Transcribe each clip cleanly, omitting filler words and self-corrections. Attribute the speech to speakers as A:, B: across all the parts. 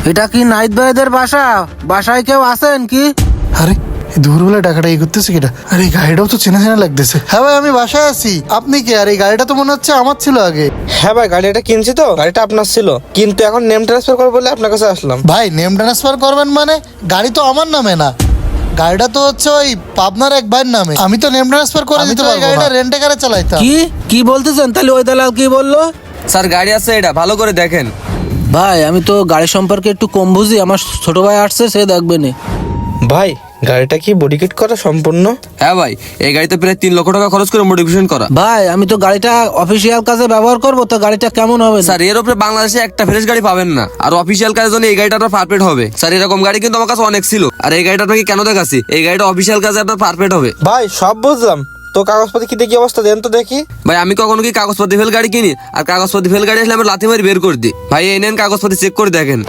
A: এটা কি নাইট ভাইদের বাসা? বাসায় কেউ আছেন কি?
B: আরে দুপুরবেলা টাকাটা এই করতেছে কিটা? আরে এই গাড়িটাও তো চেনা চেনা লাগতেছে। হ্যাঁ ভাই, আমি বাসায় আছি। আপনি কে? আর এই গাড়িটা তো মনে হচ্ছে আমার ছিল আগে।
C: হ্যাঁ ভাই, গাড়িটা কিনছি তো, গাড়িটা আপনার ছিল, কিন্তু এখন নেম ট্রান্সফার করবো বলে আপনার কাছে আসলাম।
B: ভাই নেম ট্রান্সফার করবেন মানে? গাড়ি তো আমার নামে না, গাড়িটা তো হচ্ছে ওই পাবনার এক ভাইয়ের নামে। আমি তো নেম ট্রান্সফার করে দিতে পারবো। গাড়িটা রেন্টে কারে চালাইতাম।
A: কি কি বলতেছেন? তাহলে ওই দালাল কি বললো?
D: স্যার গাড়ি আছে, এটা ভালো করে দেখেন।
A: ভাই আমি তো গাড়ি সম্পর্কে একটু কম বুঝি, আমার ছোট ভাই আসছে, সে দেখবে নি।
C: ভাই গাড়িটা কি বডি কিট করা সম্পূর্ণ?
D: হ্যাঁ ভাই, এই গাড়িতে প্রায় 3 লক্ষ টাকা খরচ করে মডিফিকেশন করা।
A: ভাই আমি তো গাড়িটা অফিসিয়াল কাজে ব্যবহার করবো, তো গাড়িটা কেমন হবে?
D: স্যার এর উপরে বাংলাদেশে একটা ফ্রেশ গাড়ি পাবেন না, আর অফিসিয়াল কাজের জন্য এই গাড়িটা আপনার পারফেক্ট হবে। স্যার এরকম গাড়ি কিন্তু আমার কাছে অনেক ছিল, আর এই গাড়িটা আপনাকে কেন দেখাচ্ছি, এই গাড়িটা অফিসিয়াল কাজে আপনার পারফেক্ট হবে।
C: ভাই সব বুঝলাম, তো কাগজপাতি কি দেখি অবস্থা দেন তো দেখি।
D: ভাই আমি কখনো কি কাগজপাতি ফেল গাড়ি কিনি? আর কাগজপাতি ফেল গাড়ি আসলে আমি লাথি মারি বের করে দিই। ভাই এই নেন কাগজপাতি, চেক করে দেখেন।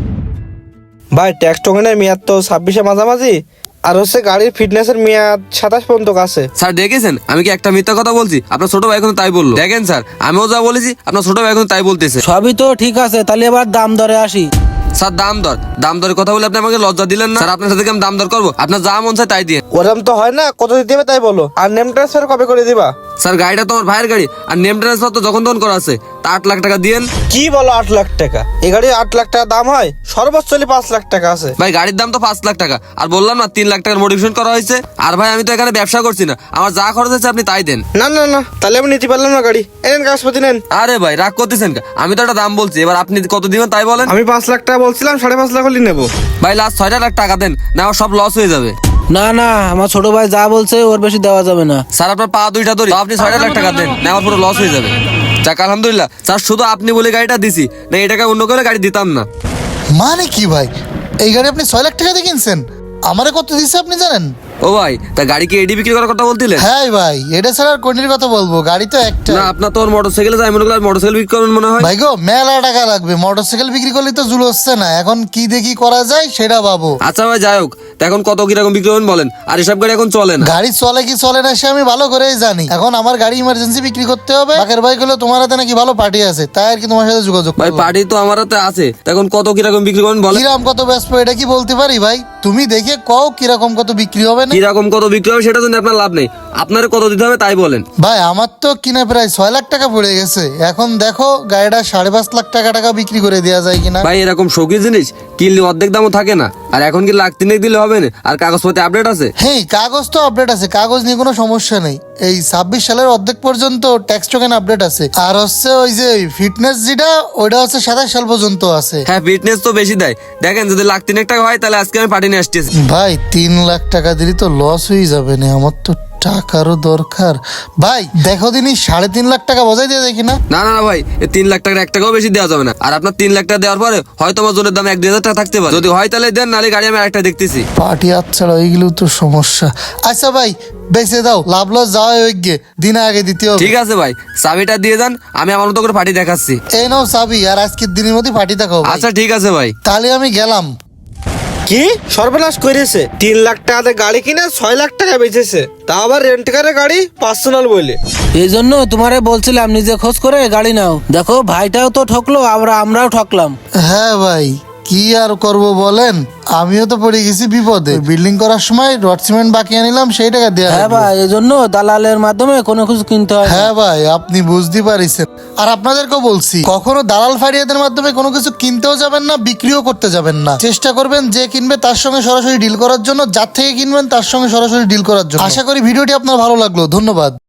C: ভাই ট্যাক্স টোকেনের মেয়াদ তো 26-এ মাঝামাঝি, আর হচ্ছে গাড়ির ফিটনেসের মেয়াদ 27 পর্যন্ত আছে।
D: স্যার দেখেছেন আমি কি একটা মিথ্যা কথা বলছি? আপনার ছোট ভাই এখন তাই বললো। দেখেন স্যার, আমিও যা বলেছি আপনার ছোট ভাই এখন তাই বলতেছে।
A: সবই তো ঠিক আছে, তাহলে এবার দাম দরে আসি।
D: স্যার দাম দরের কথা বলে আপনি আমাকে লজ্জা দিলেন না। স্যার আপনার সাথে কি আমি দাম দর করবো? আপনার যা মন চায় তাই দিয়ে।
C: ওরম তো হয় না, কত দিতে হবে তাই বলো। আর নেম ট্রান্সফার কবে করে দিবা?
D: স্যার গাড়িটা তো আমার ভাইয়ের গাড়ি, আর নেম ট্রান্সফার তো যখন তখন করা আছে, তা 8 লাখ টাকা দিয়েন।
C: কি বলো 8 লাখ টাকা? এই গাড়ি 8 লাখ টাকা দাম হয়? সর্বোচ্চ 5 লাখ টাকা আছে।
D: ভাই গাড়ির দাম তো 5 লাখ টাকা, আর বললাম না 3 লাখ টাকার মডিফিকেশন করা হয়েছে। আর ভাই আমি তো এখানে ব্যবসা করছি না, আমার যা খরচ হয়েছে আপনি তাই দেন।
C: না না না, তাহলে আমি নিতে পারলাম না গাড়ি। এনেন কাগজপাতি নেন।
D: আরে ভাই রাগ করতেছেন কে? আমি তো একটা দাম বলছি, এবার আপনি কত দিবেন তাই বলেন।
C: আমি 5 লাখ টাকা বলছিলাম, 5.5 লাখ হলে নেবো।
D: ভাই লাস্ট 6 লাখ টাকা দেন, না আমার সব লস হয়ে যাবে।
A: না না, আমার ছোট ভাই যা বলছে ওর বেশি দেওয়া যাবে না।
D: স্যার আপনার পা দুইটা ধরি, আপনি 6 লাখ টাকা দেন, না আমার পুরো লস হয়ে যাবে। যাক আলহামদুলিল্লাহ স্যার, শুধু আপনি বলে গাড়িটা দিছি, না এই টাকা অন্য করে গাড়ি দিতাম না।
B: মানে কি ভাই, এই গাড়ি আপনি 6 লাখ টাকা দিয়ে কিনছেন? আমারে কত দিচ্ছে আপনি জানেন?
D: ও ভাই, তা গাড়ি কি এডি বিক্রি করার কথা বলতিলেন?
B: হ্যাঁ ভাই, এটা ছাড়া আর কোনটির কথা বলবো? গাড়ি তো একটা।
D: না আপনার তো মোটরসাইকেলে যাই মনে করলেন মোটরসাইকেল বিক্রি করবেন মনে হয়।
B: ভাই গো, মেলা টাকা লাগবে। মোটরসাইকেল বিক্রি করলে তো জুল হচ্ছে না। এখন কি দেখি করা যায় সেটা ভাবো।
D: আচ্ছা ভাই যাই হোক, তা এখন কত কিরকম বিক্রি করবেন বলেন। আর এসব গাড়ি এখন চলে না।
B: গাড়ি চলে কি চলে না সে আমি ভালো করেই জানি। এখন আমার গাড়ি ইমার্জেন্সি বিক্রি করতে হবে। বাকের ভাই গুলো তোমার হাতে নাকি ভালো পার্টি আছে, তাই আর কি তোমার সাথে যোগাযোগ
D: ভাই
B: করলাম।
D: পার্টি তো আমার হাতে আছে, তা এখন কত কিরকম বিক্রি করবেন বলেন।
B: কিরাম কত ব্যস্ত এটা কি বলতে পারি ভাই? তুমি দেখে কও কিরকম কত বিক্রি হবে না।
D: কিরকম কত বিক্রি হবে সেটা জন্য আপনার লাভ নেই, আপনার কত দিতে হবে তাই বলেন।
B: ভাই আমার তো কিনে প্রায় 6 লাখ টাকা পড়ে গেছে। এখন দেখো গাড়িটা 5.5 লাখ টাকা বিক্রি করে দেওয়া যায় কিনা।
D: ভাই এরকম শৌকি জিনিস কিনলে অর্ধেক দামও থাকে না, আর এখন কি লাখ 3 দিলে হবে না? আর কাগজপত্রে আপডেট আছে।
B: হ্যাঁ কাগজ তো আপডেট আছে, কাগজ নিয়ে কোনো সমস্যা নেই। এই 26 সালের অর্ধেক পর্যন্ত ট্যাক্স টোকেন আপডেট আছে। আর হচ্ছে ওই যে ফিটনেস যেটা, ওইটা হচ্ছে 27 সাল পর্যন্ত আছে।
D: হ্যাঁ ফিটনেস তো বেশি দেয়। দেখেন যদি লাখ 3 টাকা হয় তাহলে আজকে আমি পার্টি নিয়ে আসতেছি।
B: ভাই 3 লাখ টাকা দিলে তো লস হয়ে যাবে না? আমার তো টাকারও দরকার। ভাই দেখো দিনই 3.5 লাখ টাকা বজায় দিয়ে যায় কিনা।
D: না না না ভাই, এই 3 লাখ টাকার 1 টাকাও বেশি দেওয়া যাবে না। আর আপনার 3 লাখ টাকা দেওয়ার পরে হয়তো আমার জনের দাম 1-2 হাজার টাকা থাকতে পারে। যদি হয় তাহলে দেন, নাহলে গাড়ি আমি আরেকটা দেখতেছি।
B: পার্টি আচ্ছাড়া এইগুলো তো সমস্যা। আচ্ছা ভাই বেঁচে দাও, লাভ লস যাওয়া হয়ে গিয়ে দিন আগে দিতে হবে।
D: ঠিক আছে ভাই, চাবিটা দিয়ে যান, আমি আমার মতো করে পার্টি দেখাচ্ছি।
B: এই নাও চাবি, আর আজকের দিনের মধ্যে পার্টি দেখাও।
D: আচ্ছা ঠিক আছে ভাই।
B: তাহলে আমি গেলাম।
C: কি সর্বনাশ করেছে! 3 লাখ টাকাতে গাড়ি কিনে 6 লাখ টাকা বেচেছে, তা আবার রেন্ট কারে গাড়ি, পার্সোনাল বলে।
A: এই জন্য তোমারে বলছিলাম নিজে খোঁজ করে গাড়ি নাও। দেখো ভাইটাও তো ঠকলো, আমরাও ঠকলাম।
B: হ্যাঁ ভাই, কি আর করব বলেন, আমিও তো পড়ে গেছি বিপদে। বিল্ডিং করার সময় রড সিমেন্ট বাকি আনিলাম, সেই টাকা দেয়া
A: হ্যাঁ
B: লাগবে।
A: ভাই, এই জন্য দালালের মাধ্যমে কোনো কিছু কিনতে হয় না।
B: হ্যাঁ ভাই, আপনি বুঝতে পারিছেন। আর আপনাদেরকেও বলছি, কখনো দালাল ফারিয়াদের মাধ্যমে কোনো কিছু কিনতেও যাবেন না, বিক্রিও করতে যাবেন না। চেষ্টা করবেন যে কিনবে তার সঙ্গে সরাসরি ডিল করার জন্য, যার থেকে কিনবেন তার সঙ্গে সরাসরি ডিল করার জন্য। আশা করি ভিডিওটি আপনার ভালো লাগলো। ধন্যবাদ।